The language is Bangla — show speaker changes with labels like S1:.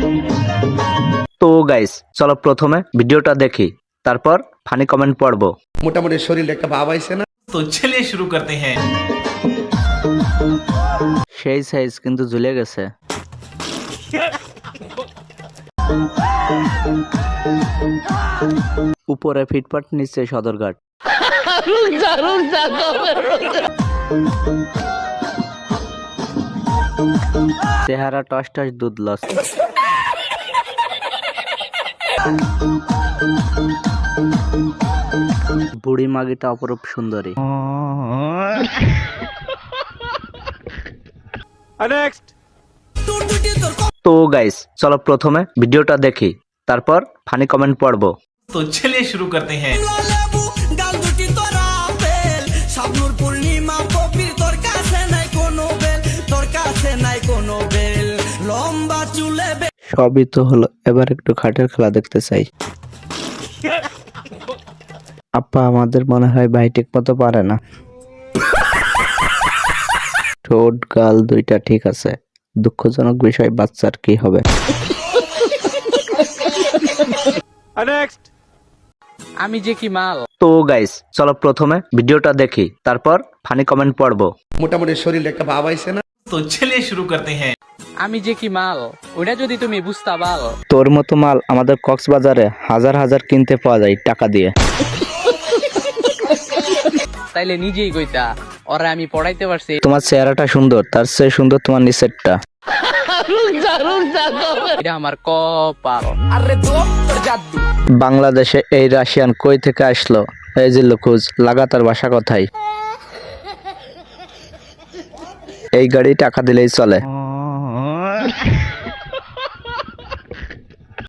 S1: তো গাইস চলো প্রথমে ভিডিওটা দেখি, তারপর ফানি কমেন্ট পড়বো।
S2: মোটামুটি শরীরে একটা ভাব আইছে না?
S3: तो चलिए शुरू करते हैं।
S1: সেই সাইজ কিন্তু ঝুলে গেছে। উপরে ফিটপাট, নিচে সদরঘাট। চেহারা টস টস দুধ লস। বুড়ি মাগিটা অপরূপ সুন্দরী। তো গাইস চলো প্রথমে ভিডিওটা দেখি, তারপর ফানি কমেন্ট পড়বো।
S3: तो चलिए शुरू करते हैं।
S1: সবই তো হলো, এবার একটু খাটের খেলা দেখতে চাই। আপা আমাদের মনে হয় ভাই ঠিক মতো পারে না। ঠোঁট গাল দুইটা ঠিক আছে, দুঃখজনক বিষয় বাচ্চার কি হবে।
S4: আমি যে কি মাল।
S1: তো গাইস চলো প্রথমে ভিডিওটা দেখি, তারপর ফানি কমেন্ট পড়বো।
S2: মোটামুটি শরীরে একটা ভাব আইছে না?
S3: तो चलिए शुरू करते हैं।
S4: আমি যে কি মাল, ওটা যদি তুমি বুঝতা পাল।
S1: তোর মতো মাল আমাদের কক্সবাজারে হাজার হাজার কিনতে পাওয়া যায় টাকা দিয়ে।
S4: তাইলে নিজেই কইতা, ওরা আমি পড়াইতে পারছি।
S1: তোমার চেহারাটা সুন্দর, তার চেয়ে সুন্দর তোমার নিচেরটা।
S4: এটা আমার কপাল।
S1: বাংলাদেশে এই রাশিয়ান কই থেকে আসলো? এই যে লুকুজ লাগাতার ভাষা কথাই। এই গাড়ি টাকা দিলেই চলে।